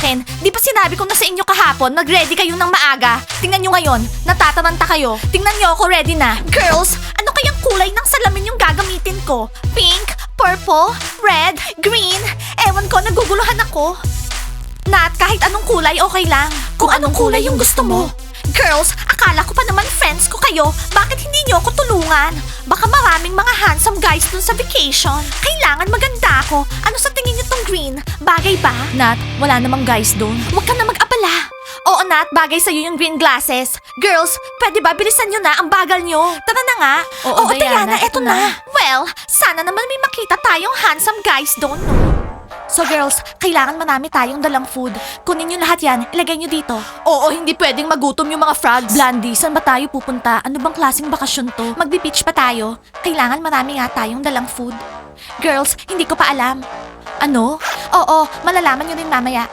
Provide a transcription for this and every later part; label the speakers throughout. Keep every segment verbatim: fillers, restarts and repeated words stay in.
Speaker 1: akin. Di ba sinabi ko na sa inyo kahapon, mag-ready kayo ng maaga? Tingnan nyo ngayon, natataranta kayo. Tingnan nyo ako, ready na. Girls, ano kayang kulay ng salamin yung gagamitin ko? Pink, purple, red, green. Ewan ko, naguguluhan ako. Nat, kahit anong kulay, okay lang. Kung anong kulay yung gusto mo. Girls, akala ko pa naman friends ko kayo. Bakit hindi nyo ako tulungan? Baka maraming mga handsome guys dun sa vacation. Kailangan maganda ako. Ano sa tingin nyo tong green? Bagay ba? Nat, wala namang guys dun. Huwag ka na mag-abala. Oo, Nat, bagay sa'yo yung green glasses. Girls, pwede ba bilisan nyo na ang bagal nyo? Tara na nga. Oo, Diana, eto na. Well, sana naman may makita tayong handsome guys doon, no? So girls, kailangan marami tayong dalang food. Kunin nyo lahat yan, ilagay nyo dito. Oo, hindi pwedeng magutom yung mga frogs. Blandy, saan ba tayo pupunta? Ano bang klaseng bakasyon to? Magbe-beach pa tayo. Kailangan marami nga tayong dalang food. Girls, hindi ko pa alam. Ano? Oo, malalaman nyo rin mamaya.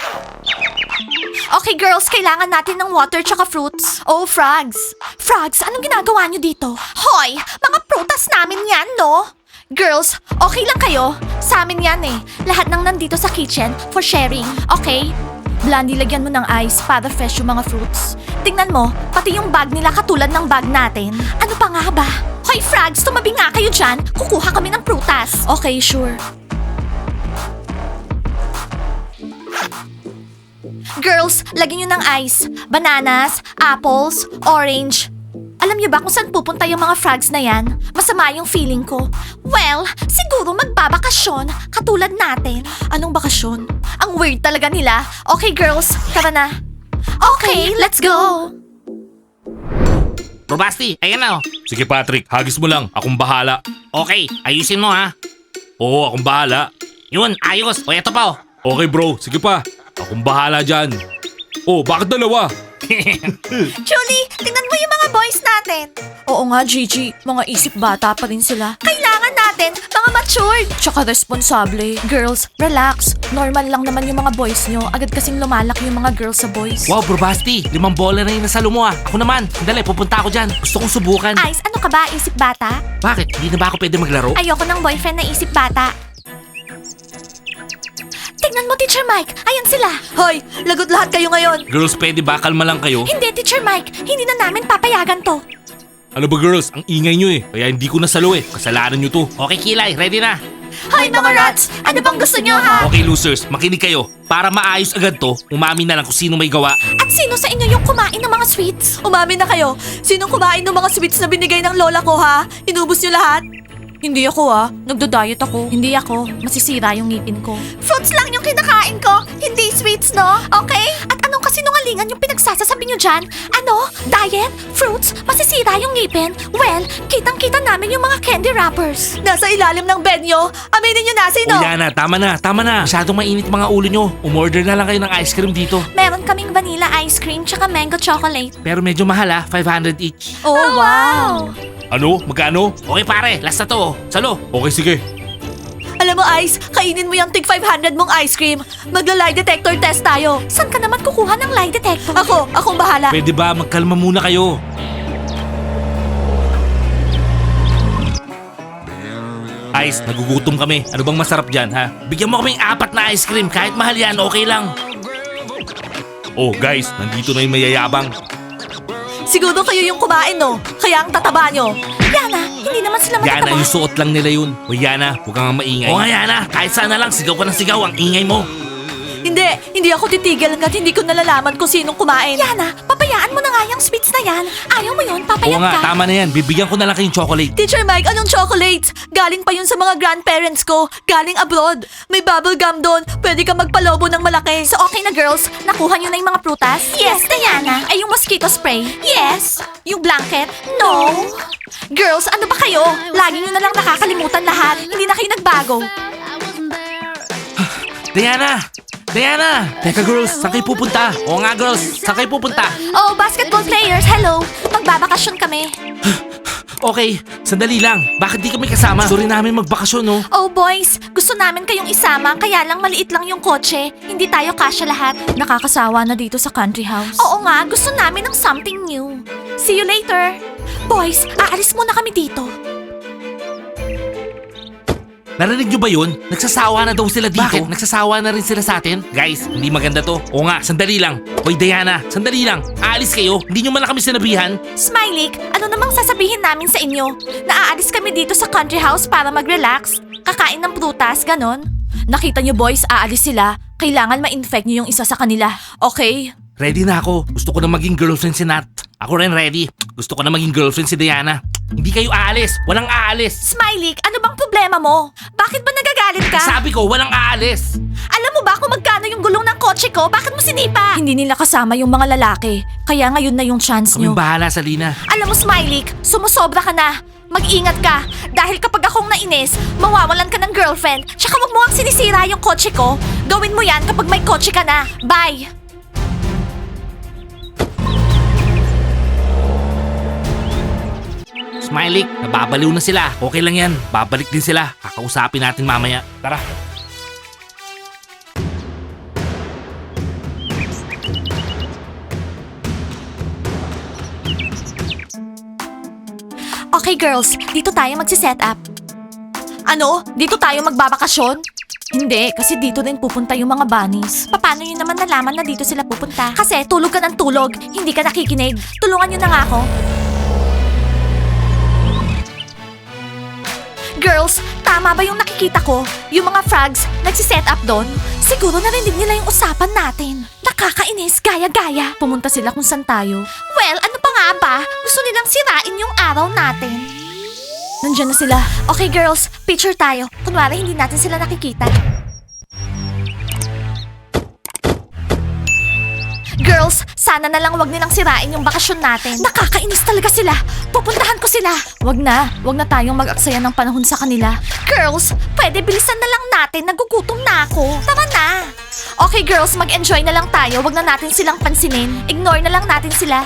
Speaker 1: Okay girls, kailangan natin ng water tsaka fruits. Oh, frogs. Frogs, anong ginagawa nyo dito? Hoy, mga prutas namin yan, no? Girls, okay lang kayo? Sa amin yan eh. Lahat ng nandito sa kitchen for sharing, okay? Blandy, lagyan mo ng ice para fresh yung mga fruits. Tingnan mo, pati yung bag nila katulad ng bag natin. Ano pa nga ba? Hoy frogs, tumabi nga kayo dyan. Kukuha kami ng prutas. Okay, sure. Girls, lagyan nyo ng ice. Bananas, apples, orange. Alam niyo ba kung saan pupunta yung mga frogs na yan? Masama yung feeling ko. Well, siguro magbabakasyon, katulad natin. Anong bakasyon? Ang weird talaga nila. Okay girls, tara na. Okay, let's go!
Speaker 2: Bro Basti, ayan na oh.
Speaker 3: Sige Patrick, hagis mo lang. Akong bahala.
Speaker 2: Okay, ayusin mo ha.
Speaker 3: Oo, akong bahala.
Speaker 2: Yun, ayos. O eto pa oh.
Speaker 3: Okay bro, sige pa. Akong bahala dyan. Oh, bakit dalawa?
Speaker 1: Julie, tingnan mo yung mga boys natin. Oo nga, Gigi. Mga isip bata pa rin sila. Kailangan natin mga matured. Tsaka responsable. Girls, relax. Normal lang naman yung mga boys nyo. Agad kasing lumalaki yung mga girls sa boys.
Speaker 2: Wow, Bro Basti, limang bola na yung nasalo mo ah. Ako naman, dali, pupunta ako dyan. Gusto kong subukan.
Speaker 1: Ice, ano ka ba? Isip bata?
Speaker 2: Bakit? Hindi na ba ako pwede maglaro?
Speaker 1: Ayoko ng boyfriend na isip bata. Tingnan mo, Teacher Mike. Ayan sila. Hoy, lagot lahat kayo ngayon.
Speaker 3: Girls, pwede ba? Kalma lang kayo.
Speaker 1: Hindi, Teacher Mike. Hindi na namin papayagan to.
Speaker 3: Ano ba girls? Ang ingay nyo eh. Kaya hindi ko nasalo eh. Kasalanan nyo to.
Speaker 2: Okay, Kilay, ready na.
Speaker 1: Hoy, mga rats! Ano bang gusto nyo, ha?
Speaker 3: Okay losers, makinig kayo. Para maayos agad to, umami na lang kung sino may gawa.
Speaker 1: At sino sa inyo yung kumain ng mga sweets? Umamin na kayo. Sinong kumain ng mga sweets na binigay ng lola ko, ha? Inubos nyo lahat? Hindi ako ah. Nagdo-diet ako. Hindi ako. Masisira yung ngipin ko. Fruits lang yung kinakain ko. Hindi sweets, no? Okay? At anong kasinungalingan yung pinagsasasabi nyo dyan? Ano? Diet? Fruits? Masisira yung ngipin? Well, kitang-kita namin yung mga candy wrappers. Nasa ilalim ng bed nyo. Aminin nyo na, sino?
Speaker 3: O yan na, tama na, tama na.
Speaker 2: Masyadong mainit mga ulo nyo. Umorder na lang kayo ng ice cream dito.
Speaker 1: Meron kaming vanilla ice cream tsaka mango chocolate.
Speaker 2: Pero medyo mahal ah, five hundred each.
Speaker 1: Oh, wow!
Speaker 3: Ano? Magkano?
Speaker 2: Okay pare, last na to oh. Salo.
Speaker 3: Okay, sige.
Speaker 1: Alam mo, Ice, kainin mo yung tig five hundred mong ice cream. Magla-lie detector test tayo. Saan ka naman kukuha ng lie detector? Ako, akong bahala.
Speaker 3: Pwede ba? Magkalma muna kayo.
Speaker 2: Ice, nagugutom kami. Ano bang masarap dyan ha? Bigyan mo kaming apat na ice cream. Kahit mahal yan, okay lang.
Speaker 3: Oh guys, nandito na yung mayayabang.
Speaker 1: Siguro kayo yung kumain, no? Kaya ang tataba nyo. Yana, hindi naman sila
Speaker 3: Yana,
Speaker 1: matataba.
Speaker 3: yung suot lang nila yun. O Yana, huwag kang maingay.
Speaker 2: Oo nga Yana, kahit sana lang sigaw ka ng sigaw ang ingay mo.
Speaker 1: Hindi, hindi ako titigil hanggat hindi ko nalalaman kung sinong kumain. Yana, pabayaan mo na nga yung sweets na yan. Ayaw mo yun,
Speaker 3: Oo
Speaker 1: papayag
Speaker 3: nga,
Speaker 1: ka.
Speaker 3: tama na yan. Bibigyan ko na lang kayong chocolate.
Speaker 1: Teacher Mike, anong chocolates? Galing pa yun sa mga grandparents ko. Galing abroad. May bubble gum doon. Pwede ka magpalobo ng malaki. So okay na girls, nakuha nyo na yung mga prutas? Yes, Diana. Ay yung mosquito spray? Yes. Yung blanket? No. Girls, ano ba kayo? Lagi nyo na lang nakakalimutan lahat. Hindi na kayo nagbago.
Speaker 2: Diana! Diana! Teka girls, saan kayo pupunta? Oo nga girls, saan kayo pupunta?
Speaker 1: Oh, basketball players, hello. Magbabakasyon kami.
Speaker 2: Okay, sandali lang. Bakit di kami kasama? Gusto rin namin magbakasyon no?
Speaker 1: Oh boys, gusto namin kayong isama kaya lang maliit lang yung kotse. Hindi tayo kasya lahat. Nakakasawa na dito sa country house. Oo nga, gusto namin ng something new. See you later. Boys, aalis muna kami dito.
Speaker 3: Narinig nyo ba yun? Nagsasawa na daw sila dito.
Speaker 2: Bakit? Nagsasawa na rin sila sa atin?
Speaker 3: Guys, hindi maganda to. Oo nga, sandali lang. Hoy Diana, sandali lang. Aalis kayo? Hindi nyo man lang kami sinabihan?
Speaker 1: Smiley, ano namang sasabihin namin sa inyo? Naaalis kami dito sa country house para mag-relax? Kakain ng prutas, ganon? Nakita nyo boys, aalis sila. Kailangan ma-infect nyo yung isa sa kanila. Okay?
Speaker 3: Ready na ako. Gusto ko na maging girlfriend si Nat. Ako rin ready. Gusto ko na maging girlfriend si Diana. Hindi kayo aalis. Walang aalis.
Speaker 1: Smiley, ano bang problema mo? Bakit ba nagagalit ka?
Speaker 3: Sabi ko, walang aalis.
Speaker 1: Alam mo ba kung magkano yung gulong ng kotse ko? Bakit mo sinipa? Hindi nila kasama yung mga lalaki. Kaya ngayon na yung chance nyo.
Speaker 3: Kaming bahala sa Lina.
Speaker 1: Alam mo, Smiley, sumusobra ka na. Mag-ingat ka. Dahil kapag akong nainis, mawawalan ka ng girlfriend. Tsaka wag mo ang sinisira yung kotse ko. Gawin mo yan kapag may kotse ka na. Bye!
Speaker 3: Smiley, nababaliw na sila. Okay lang yan. Babalik din sila. Kakausapin natin mamaya. Tara.
Speaker 1: Okay girls, dito tayo magsiset up. Ano? Dito tayo magbabakasyon? Hindi, kasi dito din pupunta yung mga bunnies. Paano yun naman nalaman na dito sila pupunta? Kasi tulog ka ng tulog, hindi ka nakikinig. Tulungan nyo na nga ako. Girls, tama ba yung nakikita ko? Yung mga frogs, nagsiset up doon? Siguro narinig nila yung usapan natin. Nakakainis, gaya-gaya. Pumunta sila kung saan tayo. Well, ano pa nga ba? Gusto nilang sirain yung araw natin. Nandiyan na sila. Okay girls, picture tayo. Kunwari hindi natin sila nakikita. Girls, sana na lang wag nilang sirain yung bakasyon natin. Nakakainis talaga sila. Pupuntahan ko sila. Wag na. Wag na tayong mag-aksaya ng panahon sa kanila. Girls, pwede bilisan na lang natin. Nagugutom na ako. Tara na. Okay girls, mag-enjoy na lang tayo. Wag na natin silang pansinin. Ignore na lang natin sila.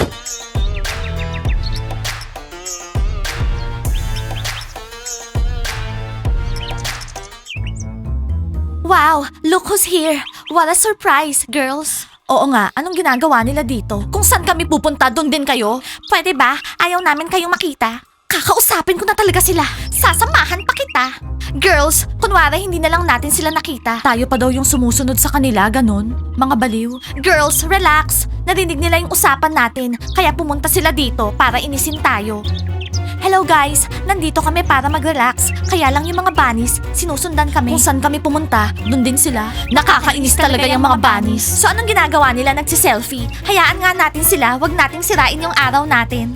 Speaker 1: Wow, look who's here. What a surprise, girls. Oo nga, anong ginagawa nila dito? Kung saan kami pupunta, doon din kayo? Pwede ba? Ayaw namin kayong makita. Kakausapin ko na talaga sila. Sasamahan pa kita. Girls, kunwari hindi na lang natin sila nakita. Tayo pa daw yung sumusunod sa kanila, ganon. Mga baliw. Girls, relax. Narinig nila yung usapan natin, kaya pumunta sila dito para inisin tayo. Hello guys, nandito kami para mag-relax. Kaya lang yung mga bunnies, sinusundan kami. Kung saan kami pumunta, dun din sila. Nakakainis talaga yung mga bunnies. So anong ginagawa nila? Nagsiselfie. Hayaan nga natin sila, wag nating sirain yung araw natin.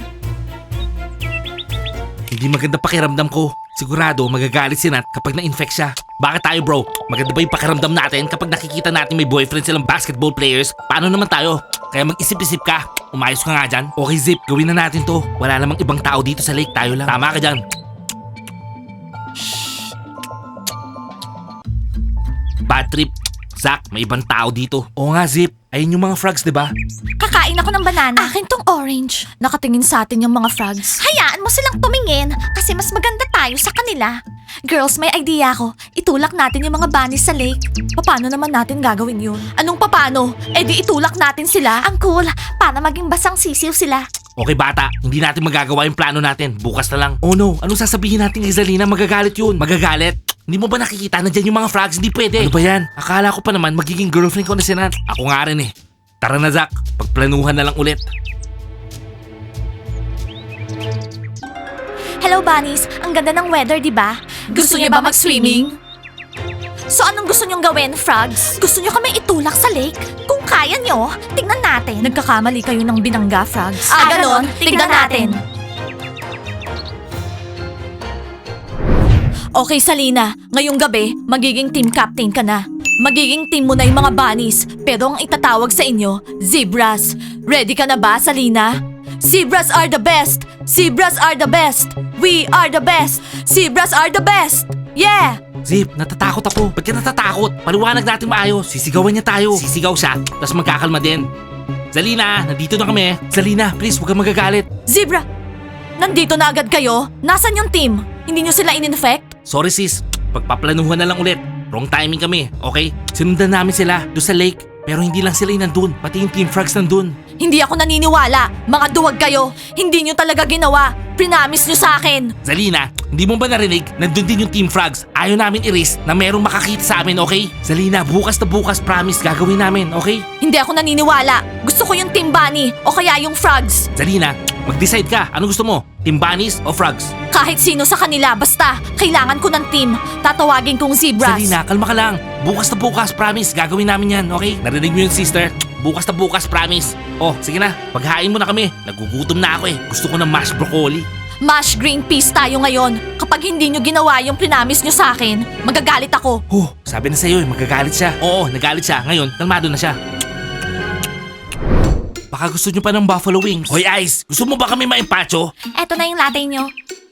Speaker 3: Hindi maganda pakiramdam ko. Sigurado magagalit si Nat kapag na-infect siya. Bakit tayo bro? Maganda ba yung pakiramdam natin kapag nakikita natin may boyfriend silang basketball players? Paano naman tayo? Kaya mag-isip-isip ka. Umayos ka nga dyan. Okay Zip, gawin na natin to. Wala namang ibang tao dito sa lake, tayo lang. Tama ka dyan. Shh. Bad trip. Zach, may ibang tao dito. Oo nga Zip, ayun yung mga frogs, di ba?
Speaker 1: Kakain ako ng banana. Akin tong orange. Nakatingin sa atin yung mga frogs. Hayaan mo silang tumingin kasi mas maganda tayo sa kanila. Girls, may idea ako. Itulak natin yung mga bunnies sa lake. Paano naman natin gagawin yun? Anong papano? Eh di itulak natin sila. Ang cool, para maging basang sisiw sila.
Speaker 3: Okay bata, hindi natin magagawa yung plano natin. Bukas na lang. Oh no, anong sasabihin natin kay Zalina? Magagalit yun. Magagalit? Hindi mo ba nakikita na dyan yung mga frogs? Hindi pwede. Ano ba yan? Akala ko pa naman magiging girlfriend ko na si Nat. Ako nga rin eh. Tara na Zach, pagplanuhan na lang ulit.
Speaker 1: Hello bunnies, ang ganda ng weather, di ba? Gusto niyo ba mag-swimming? So anong gusto niyong gawin, frogs? Gusto niyo kami itulak sa lake? Kung kaya niyo, tignan natin. Nagkakamali kayo ng binangga, frogs. Ah, ganon? Tignan natin. Okay, Salina. Ngayong gabi, magiging team captain ka na. Magiging team mo na yung mga bunnies, pero ang itatawag sa inyo, zebras. Ready ka na ba, Salina? Zebras are the best! Zebras are the best! We are the best! Zebras are the best! Yeah!
Speaker 3: Zip, natatakot ako. Ba't ka natatakot? Paliwanag natin maayos. Sisigawan niya tayo. Sisigaw siya, tapos magkakalma din. Zalina, nandito na kami. Zalina, please, huwag kang magagalit.
Speaker 1: Zebra! Nandito na agad kayo? Nasaan yung team? Hindi nyo sila in-infect?
Speaker 3: Sorry sis, pagpaplanuhan na lang ulit. Wrong timing kami, okay? Sinundan namin sila doon sa lake. Pero hindi lang sila yung nandun, pati yung Team Frogs nandun.
Speaker 1: Hindi ako naniniwala. Mga duwag kayo. Hindi nyo talaga ginawa. Prinamis nyo sa akin.
Speaker 3: Zalina, hindi mo ba narinig? Nandun din yung Team Frogs. Ayaw namin i-risk na merong makakita sa amin, okay? Zalina, bukas na bukas, promise, gagawin namin, okay?
Speaker 1: Hindi ako naniniwala. Gusto ko yung Team Bunny o kaya yung Frogs.
Speaker 3: Zalina, mag-decide ka. Ano gusto mo? Team Bunnies o Frogs?
Speaker 1: Kahit sino sa kanila, basta kailangan ko ng team. Tatawagin kong Zebras.
Speaker 3: Zalina, kalma ka lang. Bukas na bukas, promise, gagawin namin yan, okay? Narinig mo yun, sister? Bukas na bukas, promise. Oh, sige na, paghain mo na kami. Nagugutom na ako eh. Gusto ko ng mashed broccoli.
Speaker 1: Mash green peas tayo ngayon. Kapag hindi nyo ginawa yung prinamis nyo sa akin, magagalit ako.
Speaker 3: Oh, sabi na sa'yo eh, magagalit siya. Oo, nagalit siya. Ngayon, kalmado na siya. Baka gusto nyo pa ng buffalo wings. Hoy Ice, gusto mo ba kami maimpacho?
Speaker 1: Eto na yung latte nyo.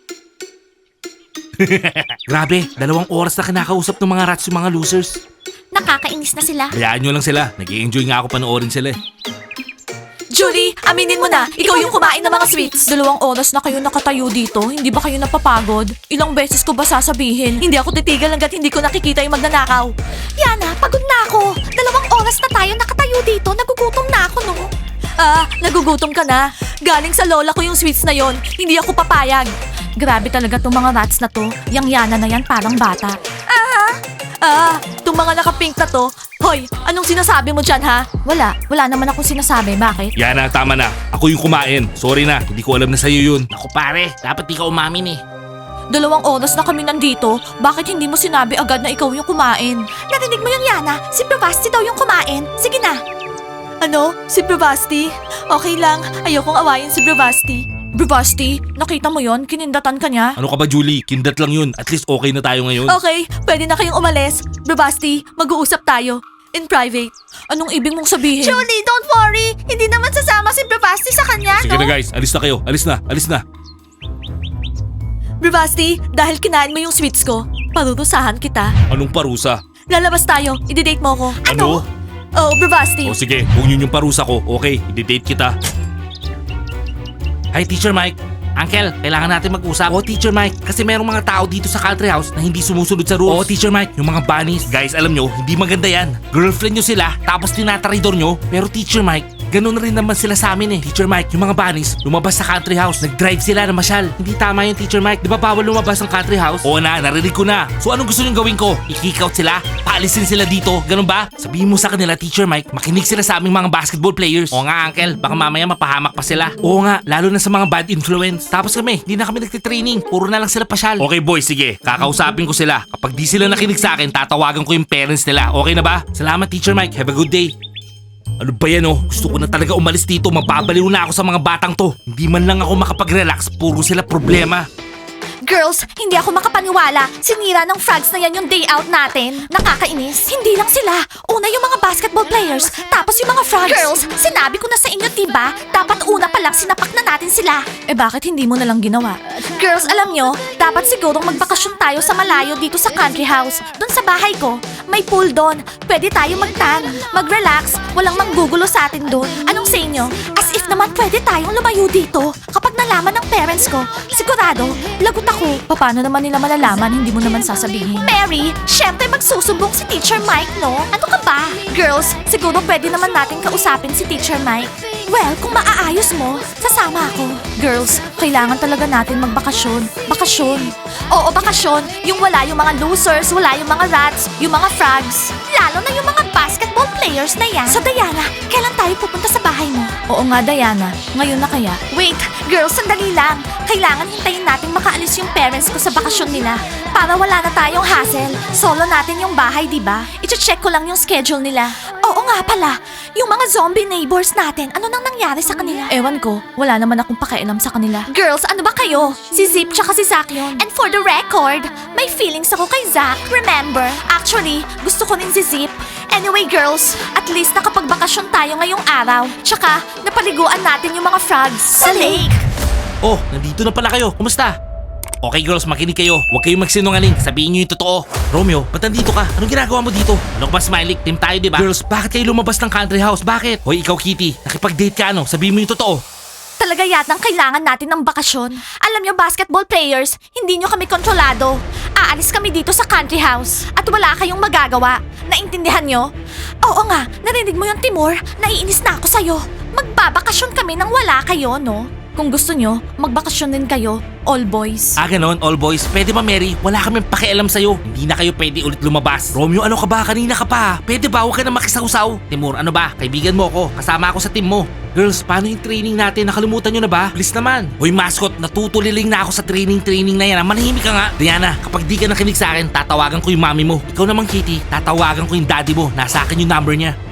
Speaker 3: Grabe, dalawang oras na kinakausap ng mga rats yung mga losers.
Speaker 1: Nakakainis na sila.
Speaker 3: Hayaan nyo lang sila. Nag-i-enjoy nga ako panoorin sila eh.
Speaker 1: Julie, aminin mo na, ikaw yung kumain ng mga sweets. Dalawang oras na kayo nakatayo dito, hindi ba kayo napapagod? Ilang beses ko ba sasabihin? Hindi ako titigil hanggat hindi ko nakikita yung magnanakaw. Yana, pagod na ako. Dalawang oras na tayo nakatayo dito, nagugutom na ako, no? Ah, nagugutom ka na. Galing sa lola ko yung sweets na yon. Hindi ako papayag. Grabe talaga tong mga rats na to. Yang Yana na yan parang bata. Ah, ah, tong mga naka-pink na to. Hoy, anong sinasabi mo dyan, ha? Wala, wala naman akong sinasabi. Bakit?
Speaker 3: Yana, tama na. Ako yung kumain. Sorry na, hindi ko alam na sa'yo yun. Ako pare, dapat di ka umamin eh.
Speaker 1: Dalawang oras na kami nandito. Bakit hindi mo sinabi agad na ikaw yung kumain? Narinig mo yung Yana? Si Bravasti daw yung kumain. Sige na. Ano? Si Bravasti? Okay lang. Ayokong awayin si Bravasti. Bravasti, nakita mo yon? Kinindatan ka niya?
Speaker 3: Ano ka ba, Julie? Kindat lang yun. At least okay na tayo ngayon.
Speaker 1: Okay, pwede na kayong umalis. Bravasti, mag-uusap tayo. In private. Anong ibig mong sabihin? Julie, don't worry. Hindi naman sasama si Bravasti sa kanya,
Speaker 3: Sige na guys, alis na kayo. Alis na, alis na.
Speaker 1: Bravasti, dahil kinain mo yung sweets ko, parurusahan kita.
Speaker 3: Anong parusa?
Speaker 1: Lalabas tayo. I-date mo ko.
Speaker 3: Ano?
Speaker 1: Oh, Bravasti.
Speaker 3: O sige, kung yun yung parusa ko, okay, i-date kita. Hi, Teacher Mike. Uncle, kailangan natin mag-usap. Oo, Teacher Mike. Kasi merong mga tao dito sa country house na hindi sumusunod sa rules. Oo, Teacher Mike. Yung mga bunnies. Guys, alam nyo, hindi maganda yan. Girlfriend nyo sila, tapos tinataridor nyo. Pero Teacher Mike, ganun rin naman sila sa amin eh. Teacher Mike, yung mga bunnies, lumabas sa country house. Nag-drive sila na masyal. Hindi tama yun, Teacher Mike. Di ba bawal lumabas ng country house? Oo na, narinig ko na. So anong gusto nyo gawin ko? I-kick out sila? Paalisin sila dito? Ganun ba? Sabihin mo sa kanila, Teacher Mike, makinig sila sa aming mga basketball players. Oo nga, Uncle. Baka mamaya mapahamak pa sila. Oo nga, lalo na sa mga bad influence. Tapos kami, hindi na kami nagtitraining. Puro na lang sila pasyal. Okay boys, sige. Kakausapin ko sila. Kapag di sila nakinig sa akin, tatawagan ko yung parents nila. Okay na ba? Salamat, Teacher Mike. Have a good day. Ano ba yan oh? Gusto ko na talaga umalis dito. Mababaliw na ako sa mga batang to. Hindi man lang ako makapag-relax. Puro sila problema.
Speaker 1: Girls, hindi ako makapaniwala. Sinira ng frogs na yan yung day out natin. Nakakainis. Hindi lang sila. Una yung mga basketball players, tapos yung mga frogs. Girls, sinabi ko na sa inyo, diba? Dapat una pa lang sinapak na natin sila. Eh bakit hindi mo na lang ginawa? Girls, alam nyo, dapat sigurong magbakasyon tayo sa malayo dito sa country house. Doon sa bahay ko. May pool doon. Pwede tayo magtan, mag-relax. Walang manggugulo sa atin doon. Anong sa inyo? As if naman pwede tayong lumayo dito. Kapag nalaman ng parents ko, sigurado, lagot ako. Paano naman nila malalaman, hindi mo naman sasabihin? Mary, syempre magsusumbong si Teacher Mike, no? Ano ka ba? Girls, siguro pwede naman natin kausapin si Teacher Mike. Well, kung maaayos mo, sasama ako. Girls, kailangan talaga natin magbakasyon. Bakasyon. Oo, bakasyon. Yung wala yung mga losers, wala yung mga rats, yung mga frogs. Lalo na yung mga basketball players na yan. So Diana, kailan tayo pupunta sa bahay mo? Oo nga, Diana. Ngayon na kaya? Wait, girls, sandali lang. Kailangan hintayin natin makaalis yung parents ko sa bakasyon nila para wala na tayong hassle. Solo natin yung bahay, di ba? I-check ko lang yung schedule nila. Oo nga pala, yung mga zombie neighbors natin, ano nang nangyari sa kanila? Ewan ko, wala naman akong pakialam sa kanila. Girls, ano ba kayo? Si Zip tsaka si Zach yun. And for the record, may feelings ako kay Zach, remember? Actually, gusto ko rin si Zip. Anyway girls, at least nakapagbakasyon tayo ngayong araw. Tsaka, napaliguan natin yung mga frogs sa lake.
Speaker 3: Oh, nandito na pala kayo. Kumusta? Okay girls, makinig kayo. Huwag kayong magsinungaling. Sabihin nyo yung totoo. Romeo, ba't nandito ka? Anong ginagawa mo dito? Ano ka ba, Smiley? Team tayo, di ba? Girls, bakit kayo lumabas ng country house? Bakit? Hoy, ikaw Kitty. Nakipag-date ka ano? Sabihin mo yung totoo.
Speaker 1: Talaga yatang kailangan natin ng bakasyon. Alam nyo, basketball players, hindi nyo kami kontrolado. Aalis kami dito sa country house at wala kayong magagawa. Naintindihan nyo? Oo nga, narinig mo yung Timur? Naiinis na ako sa'yo. Magbabakasyon kami nang wala kayo, no? Kung gusto nyo, magbakasyon din kayo, all boys.
Speaker 3: Ah, ganon, all boys. Pwede ba, Mary? Wala kaming pakialam sa'yo. Hindi na kayo pwede ulit lumabas. Romeo, ano ka ba? Kanina ka pa. Pwede ba? Huwag ka na makisawsaw. Timur, ano ba? Kaibigan mo ako. Kasama ako sa team mo. Girls, paano yung training natin? Nakalimutan nyo na ba? Please naman. Hoy, mascot, natutuliling na ako sa training-training na yan. ah. Manahimik ka nga. Diana, kapag di ka nakinig sa akin, tatawagan ko yung mami mo. Ikaw naman, Kitty, tatawagan ko yung daddy mo. Nasa akin yung number niya.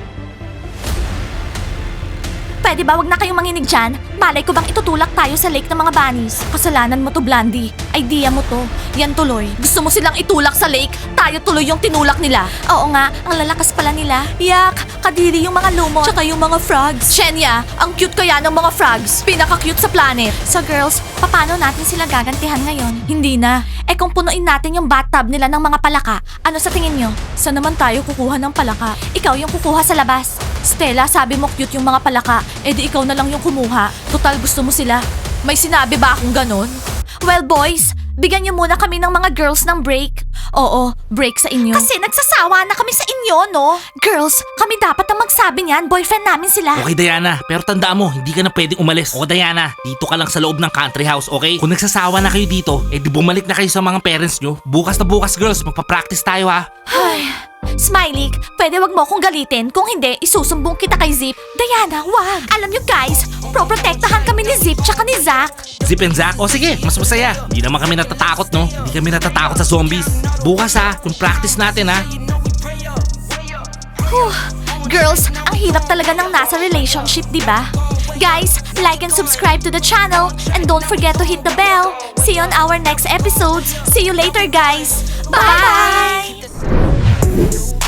Speaker 1: Pwede ba wag na kayong manginig dyan? Malay ko bang itutulak tayo sa lake ng mga bunnies? Kasalanan mo to, Blandy. Idea mo to. Yan tuloy. Gusto mo silang itulak sa lake? Tayo tuloy yung tinulak nila. Oo nga, ang lalakas pala nila. Yak, kadiri yung mga lumot. Tsaka yung mga frogs. Shenya, ang cute kaya ng mga frogs. Pinaka-cute sa planet. So girls, paano natin sila gagantihan ngayon? Hindi na. Eh kung punuin natin yung bathtub nila ng mga palaka, ano sa tingin nyo? Saan naman tayo kukuha ng palaka? Ikaw yung kukuha sa labas. Stella, sabi mo cute yung mga palaka. Eh di ikaw na lang yung kumuha. Total gusto mo sila. May sinabi ba akong ganon? Well boys, bigyan niyo muna kami ng mga girls ng break. Oo, break sa inyo. Kasi nagsasawa na kami sa inyo, no? Girls, kami dapat ang magsabi niyan. Boyfriend namin sila.
Speaker 3: Okay, Diana. Pero tandaan mo, hindi ka na pwedeng umalis. O, Diana, dito ka lang sa loob ng country house, okay? Kung nagsasawa na kayo dito, eh di bumalik na kayo sa mga parents nyo. Bukas na bukas, girls. Magpa-practice tayo, ha?
Speaker 1: Ay, Smiley, pwede wag mo akong galitin. Kung hindi, isusumbong kita kay Zip. Diana, wag. Alam niyo guys, proprotektahan kami ni Zip tsaka ni Zack.
Speaker 3: Zip and Zack? O sige, mas masaya. Hindi naman kami natatakot, no? Hindi kami natatakot sa zombies. Bukas, ha? Kung practice natin, ha?
Speaker 1: Whew. Girls, ang hirap talaga ng nasa relationship, di ba? Guys, like and subscribe to the channel and don't forget to hit the bell. See you on our next episodes. See you later, guys. Bye!